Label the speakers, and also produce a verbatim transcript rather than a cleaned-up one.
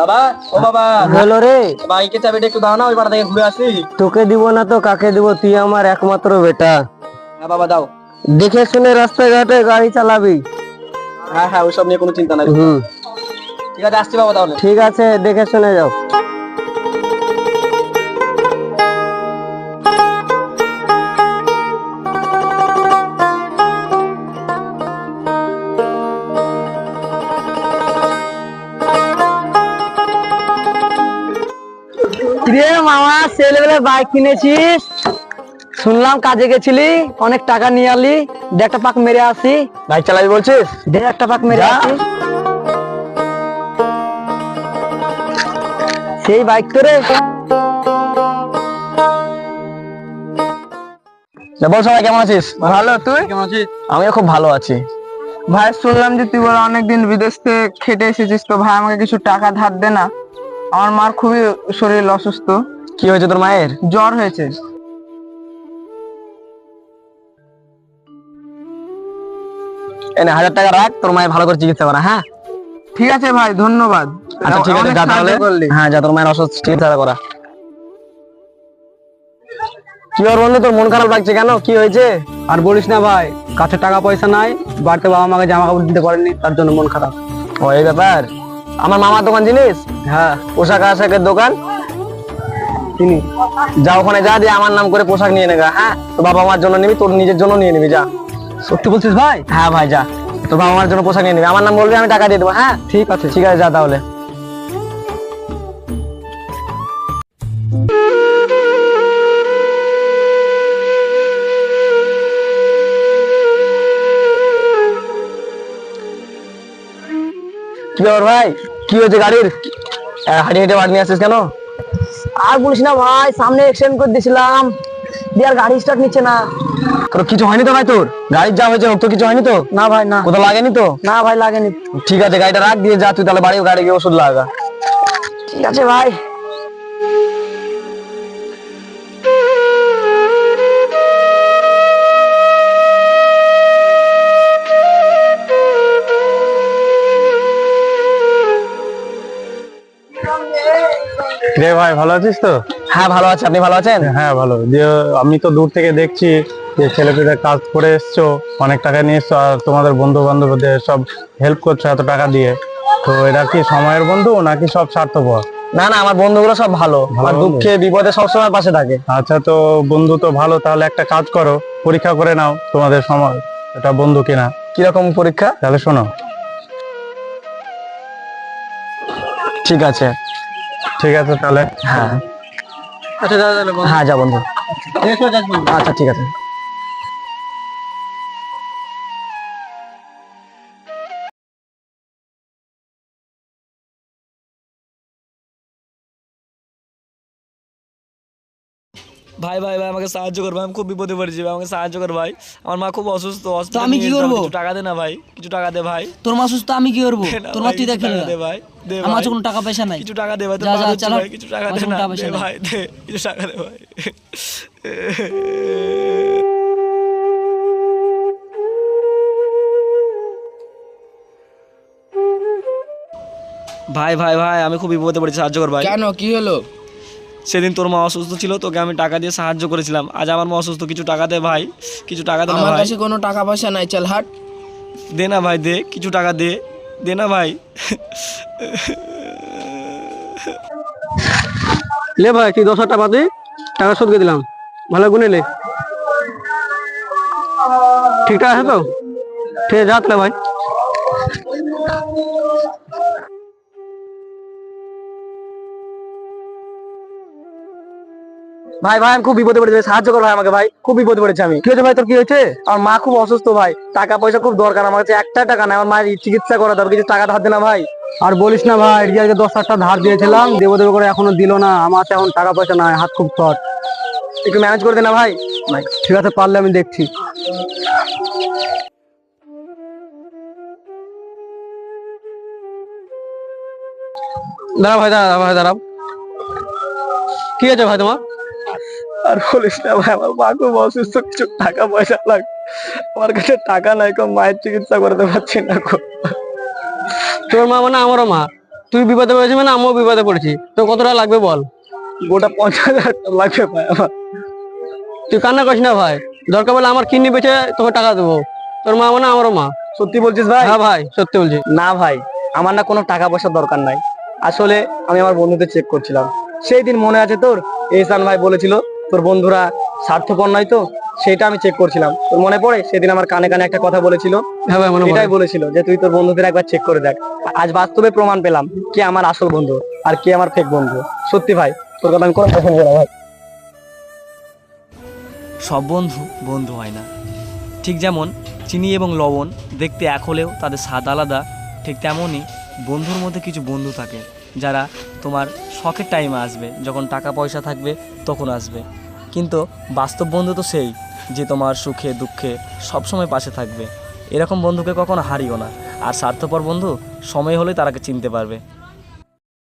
Speaker 1: বাবা, ও বাবা,
Speaker 2: হলো রে।
Speaker 1: বাইকে চাবিটা একটু দাও না, ওই পাড়া থেকে ঘুরে আসি।
Speaker 2: তোকে দিব না তো কাকে দিব? তুই আমার একমাত্র বেটা।
Speaker 1: হ্যাঁ বাবা দাও।
Speaker 2: দেখে শুনে রাস্তাঘাটে গাড়ি চালাবি।
Speaker 1: হ্যাঁ হ্যাঁ, ওইসব নিয়ে কোনো চিন্তা নাই।
Speaker 2: হুম,
Speaker 1: ঠিক আছে, আসছি বাবা তাহলে।
Speaker 2: ঠিক আছে, দেখে শুনে যাও। রে মামা, ছেলেবেলায় বাইক কিনেছিস, শুনলাম কাজে গেছিলি, অনেক টাকা নিয়ে আলি। দে একটা পাক মেরে আসি।
Speaker 1: বাইক চালাবি বলছিস?
Speaker 2: দে একটা পাক মেরে
Speaker 1: যা।
Speaker 2: আসি। সেই বাইক তো রে।
Speaker 1: বল সবাই কেমন আছিস?
Speaker 2: ভালো, তুই?
Speaker 1: কেমন আছিস? আমিও খুব ভালো আছি।
Speaker 2: ভাই শুনলাম যে তুই বলে অনেকদিন বিদেশ থেকে খেটে এসেছিস, তো ভাই আমাকে কিছু টাকা ধার দে না। আমার মার খুবই শরীর অসুস্থ।
Speaker 1: কি হয়েছে তোর মায়ের?
Speaker 2: জ্বর হয়েছে।
Speaker 1: এনে হাজার টাকা রাখ, তোর মায়ের ভালো করে চিকিৎসা করা। হ্যাঁ
Speaker 2: ঠিক আছে ভাই, ধন্যবাদ।
Speaker 1: আচ্ছা ঠিক আছে,
Speaker 2: অনেক
Speaker 1: যা
Speaker 2: সাহায্য
Speaker 1: তাহলে।
Speaker 2: করলি।
Speaker 1: হ্যাঁ যা, তোর মায়ের অসুস্থ চিকিৎসা করা। কি ওর বন্ধু, তোর মন খারাপ লাগছে কেন? কি হয়েছে?
Speaker 2: আর বলিস না ভাই, কাছে টাকা পয়সা নাই, বাড়িতে বাবা মাকে জামা কাপড় দিতে পারেনি, তার জন্য মন খারাপ।
Speaker 1: ও এই ব্যাপার। আমার মামার দোকান জিনিস,
Speaker 2: হ্যাঁ
Speaker 1: পোশাক আশাকের দোকান,
Speaker 2: তিনি।
Speaker 1: যা ওখানে যা, দিয়ে আমার নাম করে পোশাক নিয়ে নেগা। হ্যাঁ, তো বাবা মার জন্য নিবি, তোর নিজের জন্য নিয়ে নিবি, যা।
Speaker 2: সত্যি বলছিস ভাই?
Speaker 1: হ্যাঁ ভাই যা, তোর বাবা মার জন্য পোশাক নিয়ে নিবি, আমার নাম বলবি, আমি টাকা দিয়ে দেবো। হ্যাঁ
Speaker 2: ঠিক আছে।
Speaker 1: ঠিক আছে, যা তাহলে। কি ব্যাপার ভাই, কি হয়েছে গাড়ির? আহ, হাঁটিয়ে হেঁটে বাড়ি নিয়ে আসছিস কেন?
Speaker 2: আর বলিস না ভাই, সামনে এক্সিডেন্ট করে দিয়েছিলাম, দিয়ে আর গাড়ি স্টার্ট নিচ্ছে না।
Speaker 1: তোর কিছু হয়নি তো ভাই? তোর গাড়ির যা হয়েছে হোক, তো কিছু হয়নি তো?
Speaker 2: না ভাই না।
Speaker 1: কোথাও লাগেনি তো?
Speaker 2: না ভাই লাগেনি।
Speaker 1: ঠিক আছে, গাড়িটা রাখ, দিয়ে যা তুই তাহলে বাড়ি, গাড়ি গিয়ে ওষুধ লাগা।
Speaker 2: ঠিক আছে ভাই।
Speaker 3: রে ভাই, ভালো আছিস তো?
Speaker 1: হ্যাঁ ভালো আছে, আপনি ভালো আছেন?
Speaker 3: হ্যাঁ ভালো। যে আমি তো দূর থেকে দেখছি যে ছেলেপেলে কাজ করে এসছো, অনেক টাকা নিয়ে এসছো, আর তোমাদের বন্ধু বান্ধবদের সব হেল্প করছো এত টাকা দিয়ে। তো এরা কি সময়ের বন্ধু নাকি সব স্বার্থপর?
Speaker 1: না না, আমার বন্ধুগুলো সব ভালো,
Speaker 3: ভালো
Speaker 1: আমার
Speaker 3: বন্ধু?
Speaker 1: দুঃখে বিপদে সবসময় পাশে থাকে।
Speaker 3: আচ্ছা, তো বন্ধু তো ভালো, তাহলে একটা কাজ করো, পরীক্ষা করে নাও তোমাদের সময় এটা বন্ধু কিনা।
Speaker 1: কিরকম পরীক্ষা?
Speaker 3: তাহলে শোনো।
Speaker 1: ঠিক আছে।
Speaker 3: ঠিক আছে তাহলে।
Speaker 1: হ্যাঁ
Speaker 2: আচ্ছা দাদা তাহলে বল।
Speaker 1: হ্যাঁ যা বন্ধু। আচ্ছা ঠিক আছে।
Speaker 4: ভাই ভাই ভাই আমাকে সাহায্য কর ভাই, আমি খুব বিপদে পড়েছি ভাই, আমাকে সাহায্য কর ভাই। আমার মা খুব অসুস্থ,
Speaker 5: তো আমি কি করবো?
Speaker 4: কিছু টাকা দে না ভাই, কিছু টাকা দে ভাই।
Speaker 5: তোর মা সুস্থ, আমি কি করবো?
Speaker 4: দে না
Speaker 5: তোর মা
Speaker 4: ভাই,
Speaker 5: তুই
Speaker 4: কিছু
Speaker 5: দেখে
Speaker 4: টাকা দে ভাই, দে
Speaker 5: আমার
Speaker 4: ভাই।
Speaker 5: কাছে কোনো টাকা পয়সা নাই।
Speaker 4: কিছু টাকা দে ভাই, তোর
Speaker 5: যা,
Speaker 4: পা
Speaker 5: যা,
Speaker 4: ধরছি
Speaker 5: চালা।
Speaker 4: ভাই, কিছু টাকা
Speaker 5: আমার
Speaker 4: দে
Speaker 5: কাছে কোনো
Speaker 4: না,
Speaker 5: টাকা পয়সা
Speaker 4: দে
Speaker 5: নাই।
Speaker 4: ভাই, দে কিছু টাকা দে ভাই। ভাই ভাই ভাই আমি খুব বিপদে পড়েছি, সাহায্য কর ভাই।
Speaker 5: কেন, কি হলো?
Speaker 4: সেদিন তোর মা অসুস্থ ছিল, তোকে আমি টাকা দিয়ে সাহায্য করেছিলাম, আজ আমার মা অসুস্থ, কিছু টাকা দে ভাই, কিছু টাকা দে না
Speaker 5: আমার
Speaker 4: ভাই।
Speaker 5: কাছে কোনো টাকা পয়সা নাই, চল হাট।
Speaker 4: দে না ভাই, দে কিছু টাকা দে, দে না ভাই।
Speaker 2: লে ভাই, তুই দশ হাজার টাকা দে, টাকা শোধ করে দিলাম, ভালো গুনে লে। ঠিকঠাক আছে তো? ঠিক আছে, যা তাহলে ভাই।
Speaker 1: ভাই ভাই আমি খুব বিপদে পড়েছি, সাহায্য কর ভাই আমাকে, ভাই খুব বিপদে পড়েছি আমি।
Speaker 2: কি হয়েছে ভাই, তোর কি হয়েছে?
Speaker 1: আমার মা খুব অসুস্থ ভাই, টাকা পয়সা খুব দরকার, আমার কাছে একটা টাকা নাই, আমার মায়ের চিকিৎসা করা দরকার, কিছু টাকা ধার দে না ভাই।
Speaker 2: আর বলিস না ভাই, রিয়াকে দশ হাজার টাকা ধার দিয়েছিলাম, দেবো দেবো করে এখনো দিল না, আমার তো এখন টাকা পয়সা নাই, হাত খুব শর্ট।
Speaker 1: একটু ম্যানেজ করে দে না ভাই।
Speaker 2: ঠিক আছে, পারলে আমি দেখছি। দাঁড়া ভাই, দাঁড়া ভাই, দাঁড়াও। কি আছে ভাই তোমার?
Speaker 1: আর বলিস না ভাই, আমার মা খুব অসুস্থ, কিছু টাকা পয়সা লাগ, আমার কাছে টাকা নাই, কো মায়ের চিকিৎসা করতে পারছি না গো।
Speaker 2: তোর মা মানে আমারও মা,
Speaker 1: তুই বিপদে পড়েছিস মানে আমিও বিপদে পড়েছি, তো কত টাকা লাগবে বল? গোটা পঞ্চাশ হাজার লাগবে ভাই আমার। তুই কান্না করিস না ভাই, দরকার বলে আমার কিডনি বেচে তোকে টাকা দেবো। তোর মা মানে আমারও মা। সত্যি বলছিস ভাই? হ্যাঁ ভাই সত্যি বলছি। না ভাই, আমার না কোনো টাকা পয়সার দরকার নাই। আসলে আমি আমার বন্ধুদের চেক করছিলাম। সেই দিন মনে আছে তোর, এহসান ভাই বলেছিল তোর বন্ধুরা স্বার্থপর নয়, তো সেটা আমি চেক করছিলাম। তোর মনে পড়ে সেদিন আমার কানে কানে একটা কথা বলেছিল? হ্যাঁ ভাই মনে পড়ে। এটাই বলেছিল যে তুই তোর বন্ধুদের একবার চেক করে দেখ। আজ বাস্তবে প্রমাণ পেলাম কে আমার আসল বন্ধু আর কে আমার ফেক বন্ধু। সত্যি ভাই, তোর কথা আমি কোনো কথা বলবো না ভাই।
Speaker 4: সব বন্ধু বন্ধু হয় না। ঠিক যেমন চিনি এবং লবণ দেখতে এক হলেও তাদের স্বাদ আলাদা, ঠিক তেমনই বন্ধুর মধ্যে কিছু বন্ধু থাকে যারা তোমার শখের টাইমে আসবে, যখন টাকা পয়সা থাকবে তখন আসবে। কিন্তু বাস্তব বন্ধু তো সেই যে তোমার সুখে দুঃখে সবসময় পাশে থাকবে। এরকম বন্ধুকে কখনো হারিও না। আর স্বার্থপর বন্ধু সময় হলে তারাকে চিনতে পারবে।